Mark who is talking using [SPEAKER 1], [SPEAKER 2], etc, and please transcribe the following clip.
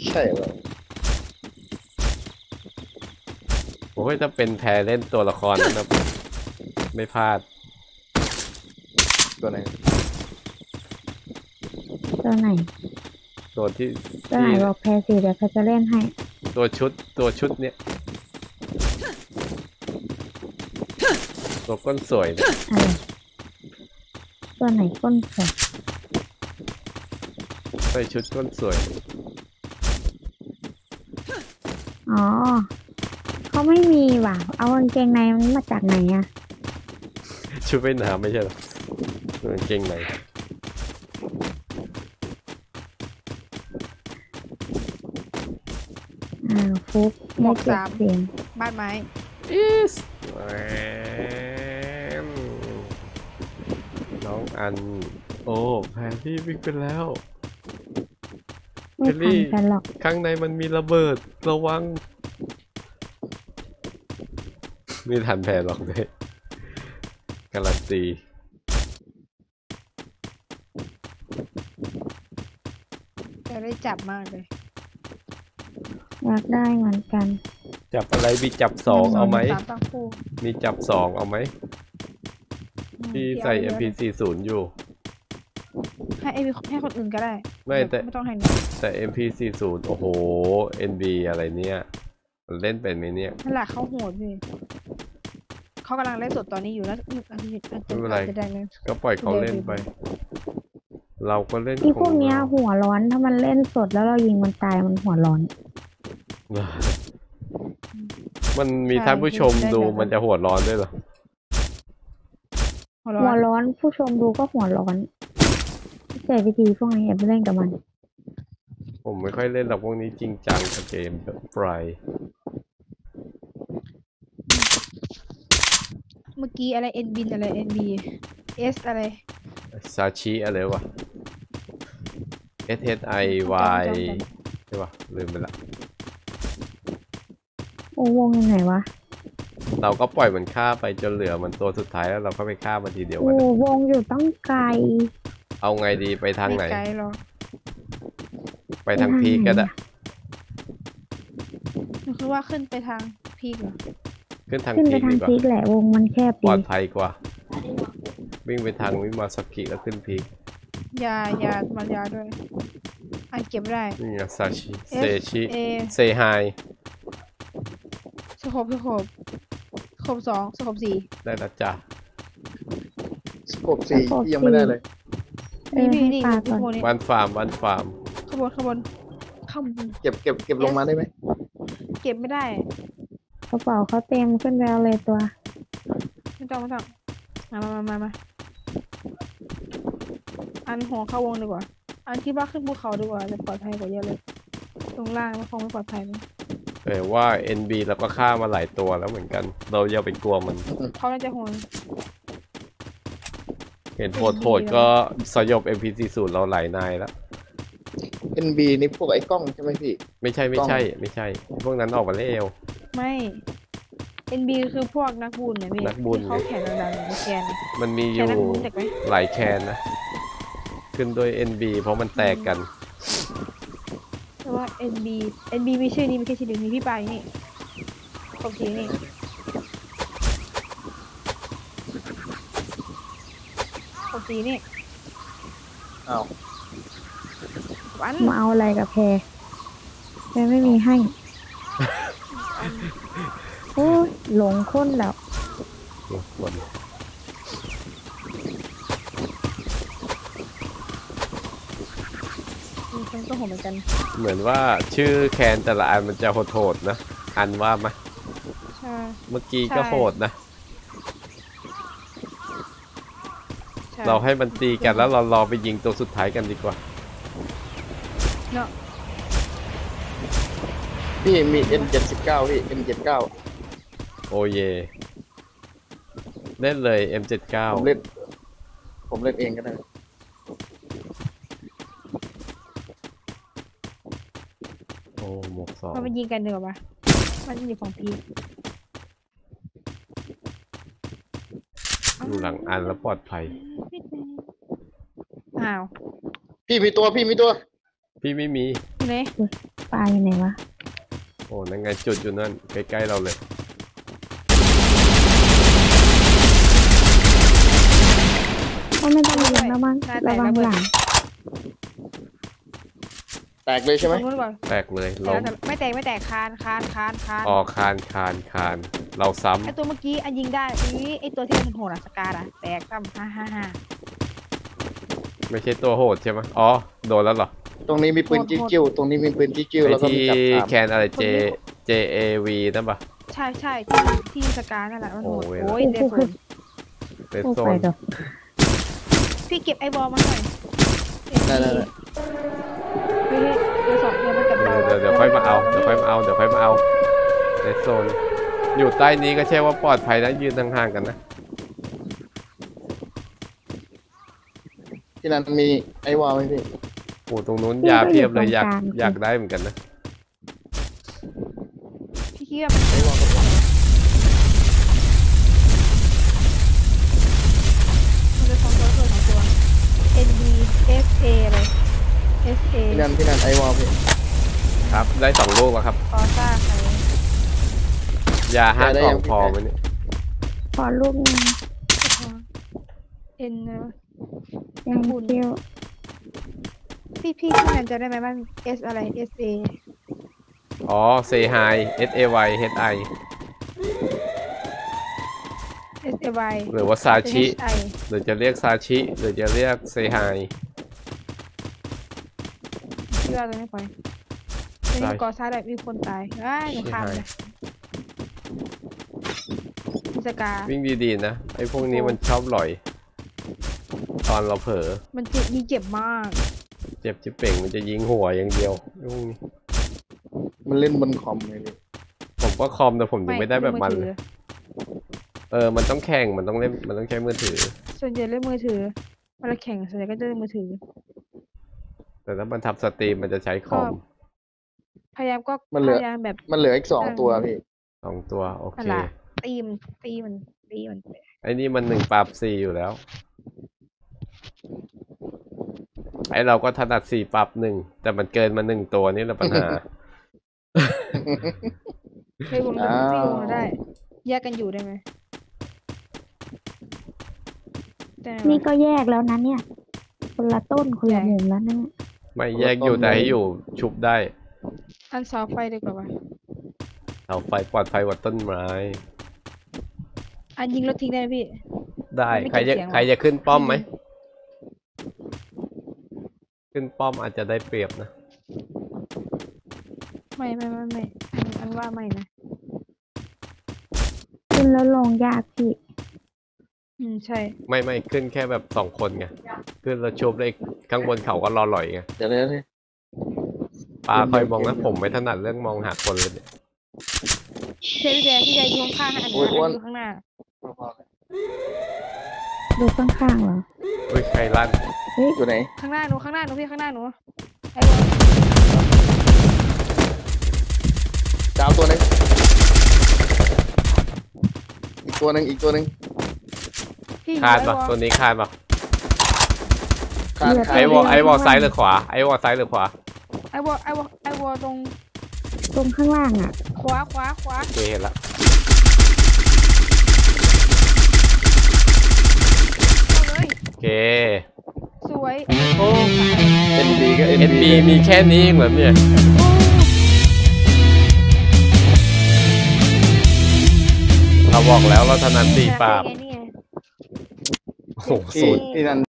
[SPEAKER 1] ใช่เหรอ
[SPEAKER 2] โอ้ยถ้าเป็นแพรเล่นตัวละครนั้นนะไม่พลาด
[SPEAKER 1] ตัวไหน
[SPEAKER 3] ตัวไหน
[SPEAKER 2] ตัวที่
[SPEAKER 3] ตัวไหนบอกแพรสิเดี๋ยวแพรจะเล่นให้
[SPEAKER 2] ตัวชุดเนี้ยตัวก้นสวยเนี่ย
[SPEAKER 3] อะไรตัวไหนก้นสวย
[SPEAKER 2] ใส่ชุดก้นสวย
[SPEAKER 3] อ๋อเขาไม่มีว่ะเอากางเกงในมันมาจากไหนอะ
[SPEAKER 2] ชุดว่ายน้ำไม่ใช่หรอตัวกางเกงใน
[SPEAKER 3] ฟุก
[SPEAKER 4] หมวก
[SPEAKER 3] ได้เก็บ
[SPEAKER 4] 3
[SPEAKER 3] เสียง
[SPEAKER 4] บ้านไม้
[SPEAKER 2] is น้องอันโอ้แพนที่วิ่งไปแล้ว
[SPEAKER 3] ไม่ทันกันหรอก
[SPEAKER 2] ข้างในมันมีระเบิดระวังไม่ทันแพนหรอกเลยการันตี
[SPEAKER 4] จะได้จับมากเลย
[SPEAKER 3] อยากได้เหมือนกัน
[SPEAKER 2] จับอะไรมีจับ2เอาไหมมีจับ2เอาไหมที่ใส่ MP40 อยู่
[SPEAKER 4] ให้คนอื่นก็ได้
[SPEAKER 2] ไม่
[SPEAKER 4] ต้องให้
[SPEAKER 2] แต่ MP40 โอ้โห NB อะไรเนี่ยมันเล่นเป็นไหมเนี่ย
[SPEAKER 4] นั่นแหละเขาโหดพี่เขากำลังเล่นสดตอนนี้อยู่แล้ว
[SPEAKER 2] ไม่เป็นไรก็ปล่อยเขาเล่นไปเราก็เล่น
[SPEAKER 3] ที่พวกเนี้ยหัวร้อนถ้ามันเล่นสดแล้วเรายิงมันตายมันหัวร้อน
[SPEAKER 2] มันมีท่านผู้ชมดูมันจะหัวร้อนด้วยเหรอ
[SPEAKER 3] หัวร้อนผู้ชมดูก็หัวร้อนเจอวิธีพวกนี้อย่าไปเล่นกับมัน
[SPEAKER 2] ผมไม่ค่อยเล่นหรอกพวกนี้จริงจังกับเกมแบบไฟ
[SPEAKER 4] เมื่อกี้อะไรเอ็นบินอะไรเอ็นบีเอสอะไร
[SPEAKER 2] ซาชิอะไรวะ SHIY ใช่ปะลืมไปละ
[SPEAKER 3] โอ้วงยังไงวะ
[SPEAKER 2] เราก็ปล่อยมันฆ่าไปจนเหลือมันตัวสุดท้ายแล้วเราก็ไปฆ่ามันทีเดียวกัน
[SPEAKER 3] โอ้วงอยู่ต้องไกล
[SPEAKER 2] เอาไงดีไปทางไหน
[SPEAKER 4] ไม่ไกลหรอก
[SPEAKER 2] ไปทางพีกก็ได้
[SPEAKER 4] คือว่าขึ้นไปทางพีกเหรอ
[SPEAKER 2] ขึ้นทาง
[SPEAKER 3] พีกแหละวงมันแคบ
[SPEAKER 2] ปลอดภัยกว่าวิ่งไปทางวิมาสักิแล้วขึ้นพีก
[SPEAKER 4] ยามันยาด้วยอันเก็บได้
[SPEAKER 2] นี่ไงซาชิเซชิเซไฮ
[SPEAKER 4] สโคบ2สโคบ4
[SPEAKER 2] ได้แล้วจ้ะ
[SPEAKER 1] สโคป4ที่ยังไม่ได้เลย
[SPEAKER 4] นี่
[SPEAKER 2] วันฟาร์ม
[SPEAKER 4] ขบวน
[SPEAKER 1] เก็บลงมาได้ไหม
[SPEAKER 4] เก็บไม่ได้
[SPEAKER 3] กระเป๋าเขาเต็มขึ้นแล้วเลยตัว
[SPEAKER 4] ไม่ต้องมาอันหัวเข้าวงดีกว่าอันคิดว่าขึ้นภูเขาดีกว่าจะปลอดภัยกว่าเยอะเลยตรงล่างมันคงไม่ปลอดภัยมั้ง
[SPEAKER 2] แต่ว่า NB เราก็ฆ่ามาหลายตัวแล้วเหมือนกันเราอย่าไปกลัวมัน
[SPEAKER 4] เขาน่าจะโหด
[SPEAKER 2] เห็นโหดก็สยบ MP40 เราหลายนายแล้ว
[SPEAKER 1] NB นี่พวกไอ้กล้องใช่ไหมพี่
[SPEAKER 2] ไม่ใช่พวกนั้นออกมาเร็ว
[SPEAKER 4] ไม่ NB คือพวกนักบุญเนี่ยพี่เขาแข่งดังๆแคน
[SPEAKER 2] มันมีอยู่หลายแคนนะขึ้นโดย NB เพราะมันแตกกัน
[SPEAKER 4] แต่ว่า NB มีชื่อนี้มีแค่ชื่อเดียวมีพี่ปายนี่ขอบทีนี่ขอบทีนี่
[SPEAKER 1] อ้าว
[SPEAKER 3] มาเอาอะไรกับแพรไม่มีให้โอ้ยหลงค้นแล้ว
[SPEAKER 4] ก็โหดเหมือนกัน
[SPEAKER 2] เหมือนว่าชื่อแคนแต่ละอันมันจะโหดนะอันว่าไหม
[SPEAKER 4] ใช่
[SPEAKER 2] เมื่อกี้ก็โหดนะเราให้มันตีกันแล้วเรารอไปยิงตัวสุดท้ายกันดีกว่า
[SPEAKER 4] เนาะ
[SPEAKER 1] พี่มี M79 พี่ M79
[SPEAKER 2] โอเยเล่นเลย M79
[SPEAKER 1] ผมเล่นเองก็ได้
[SPEAKER 2] โอ้หมวก2
[SPEAKER 4] มันยิงกันเดี๋ยวปะมันอยู่ของพี
[SPEAKER 2] อยู่หลังอันแล้วปลอดภัย
[SPEAKER 4] อ้าว
[SPEAKER 1] พี่มีตัว
[SPEAKER 2] พี่ไม่มี
[SPEAKER 4] ไหน
[SPEAKER 3] ปลาอยู่ไหนวะ
[SPEAKER 2] โอ้นั่นไงจุดอยู่นั่นใกล้ๆเราเลย
[SPEAKER 3] ก็ไม่ต้องยิงแล้วมั้งระวังหลัง
[SPEAKER 1] แตกเลยใช่ไหม
[SPEAKER 4] ตรงนู้นก่อน
[SPEAKER 2] แตกเลย
[SPEAKER 4] แต่
[SPEAKER 2] ล้ม
[SPEAKER 4] ไม่แตกไม่แตกคาน
[SPEAKER 2] อ๋อคานเราซ้
[SPEAKER 4] ไอตัวเมื่อกี้อันยิงได้นี่ไอตัวที่มันโหดอะสกาดอะแตกซ้ำฮ่า
[SPEAKER 2] ำไม่ใช่ตัวโหดใช่ไหมอ๋อโดนแล้วเหรอ
[SPEAKER 1] ตรงนี้มีปืนจิ้วๆตรงนี้มีปืนจิ้วๆ
[SPEAKER 2] ไอ
[SPEAKER 1] แล้วก็
[SPEAKER 2] ที่
[SPEAKER 1] มีจับสาม
[SPEAKER 2] แคนอะไร JAV นั่นปะ
[SPEAKER 4] ใช่ที่สกานั่นแหละมันโหด
[SPEAKER 2] โอ้ย
[SPEAKER 4] โอ้ยเดโซน
[SPEAKER 2] เรด
[SPEAKER 3] โอ้
[SPEAKER 2] โซ
[SPEAKER 3] ไป
[SPEAKER 2] น
[SPEAKER 3] เถอะ
[SPEAKER 4] พี่เก็บไอบอลมาหน่อย
[SPEAKER 1] ได้
[SPEAKER 4] เฮ้ยเดี๋ยวสองเดี๋ยวมันกับเรา
[SPEAKER 2] เดี๋ยวค่อยมาเอาเดี๋ยวค่อยมาเอาเรดโซนอยู่ใต้นี้ก็ใช่ว่าปลอดภัยนะยืนห่างๆกันนะ
[SPEAKER 1] ที่นั่นมีไอ้วาวไหมพี่
[SPEAKER 2] โอ้ตรงนู้นยาเพียบเลยอยากได้เหมือนกันนะ
[SPEAKER 4] พี่คิดว่ามัน
[SPEAKER 1] ไอ้วาวกับหลัง
[SPEAKER 4] มันจะสองตัว NB SA อะไร SA
[SPEAKER 1] พี่นันไอ้วาวพี่
[SPEAKER 2] ครับได้2 ลูกแล้วครับ
[SPEAKER 4] คอซ่าใคร
[SPEAKER 2] ยา5 กล่องพอไหมเนี่ย
[SPEAKER 3] ขอลูกหนึง
[SPEAKER 4] N
[SPEAKER 3] ยังเที่ยว
[SPEAKER 4] พี่นันจะได้ไหมมัน S อะไร SA
[SPEAKER 2] อ๋อ Say Hi SAY HI
[SPEAKER 4] SAY
[SPEAKER 2] หรือว่าซาชิ
[SPEAKER 4] HI
[SPEAKER 2] หรือจะเรียกซาชิ หรือจะเรียก Say Hi
[SPEAKER 4] พี่ว่าตัวนี้ไปตัวนี้ก่อซ่าแบบมีคนตายหนูข้ามเลยสกา
[SPEAKER 2] วิ่งดีๆนะ ไอ้พวกนี้มันชอบหลอย ตอนเราเผลอ
[SPEAKER 4] มันเจ็บมาก
[SPEAKER 2] เจ็บจิบเป่งมันจะยิงหัวอย่างเดียวพวกนี้
[SPEAKER 1] มันเล่นบนคอมเลยพี่
[SPEAKER 2] ผมก็คอมแต่ผมยังไม่ได้แบบมันเลยมันต้องแข่งมันต้องเล่นมันต้องใช้มือถือ
[SPEAKER 4] ส่วนใหญ่เล่นมือถือเวลาแข่งส่วนใหญ่ก็จะเล่นมือถือ
[SPEAKER 2] แต่ถ้ามันทำสตรีมมันจะใช้คอม
[SPEAKER 4] พยายามก็พยายามแบบ
[SPEAKER 1] มันเหลืออีก2 ตัวพี่
[SPEAKER 2] 2 ตัวโอ
[SPEAKER 4] อะ
[SPEAKER 2] เค
[SPEAKER 4] ไรตีมัน
[SPEAKER 2] ไอ้นี่มัน1 ปราบ 4อยู่แล้ว ไอ้เราก็ถนัด4 ปราบ 1แต่มันเกินมา1 ตัวนี่แหละปัญหา
[SPEAKER 4] ให้วงกันตีวงได้แยกกันอยู่ได้ไหมแต่
[SPEAKER 3] นี่ก็แยกแล้วนะเนี่ย คนละต้นคนละมุมแล้วนะเนี่ย
[SPEAKER 2] ไม่แยกอยู่แต่ให้อยู่ชุบได้
[SPEAKER 4] อันเสาไฟดีกว่าป่ะ
[SPEAKER 2] เสาไฟปลอดภัยกว่าต้นไม้
[SPEAKER 4] อันยิงรถทิ้งได้ไหมพี่
[SPEAKER 2] ได้
[SPEAKER 4] ไม่
[SPEAKER 2] ใคร
[SPEAKER 4] เก็
[SPEAKER 2] จะ
[SPEAKER 4] บเสียงหรอ
[SPEAKER 2] ใครจะขึ้นป้อมไหม ขึ้นป้อมอาจจะได้เปรียบนะ
[SPEAKER 4] ไม่อันว่าไม่นะ
[SPEAKER 3] ขึ้นแล้วลงยากพี่
[SPEAKER 4] ใช่
[SPEAKER 2] ไม่ขึ้นแค่แบบ2 คนไงขึ้นแล้วชุบได้ข้างบนเขาก็รอหล่อยไง
[SPEAKER 1] เดี๋ยวเลย
[SPEAKER 2] ปลาคอยมองนะผมไม่ถนัดเรื่องมองหาคนเลยเนี่ย
[SPEAKER 4] พี่แดอยู่ข้างๆอันนี้อยู่ข้างหน้า
[SPEAKER 3] ดูข้างๆเหรอ
[SPEAKER 2] อุ้ยใครลั่น
[SPEAKER 1] อยู่ไหน
[SPEAKER 4] ข้างหน้าหนูพี่ข้างหน้าหนูไอ้
[SPEAKER 1] ดาวตัวหนึงอีกตัวหนึง
[SPEAKER 4] พี่
[SPEAKER 2] คานปะตัวนี้คานปะ
[SPEAKER 1] คาน
[SPEAKER 2] ไอวอลซ้ายหรือขวาไอวอลซ้ายหรือขวา
[SPEAKER 4] ไอ้วอตรง
[SPEAKER 3] ตรงข้างล่างอ่ะ
[SPEAKER 4] ขวา
[SPEAKER 2] โอเคเห็นละ
[SPEAKER 4] เอาเลย
[SPEAKER 2] โอเค
[SPEAKER 4] สวย
[SPEAKER 2] โอ้
[SPEAKER 1] NB ก็
[SPEAKER 2] NB มีแค่นี้เองเหรอเนี่ยเราบอกแล้วเราถนัด4 ปราบ
[SPEAKER 4] นี่ไง
[SPEAKER 2] โอ้โห
[SPEAKER 1] ที่
[SPEAKER 2] สูตร
[SPEAKER 1] ที่นั่น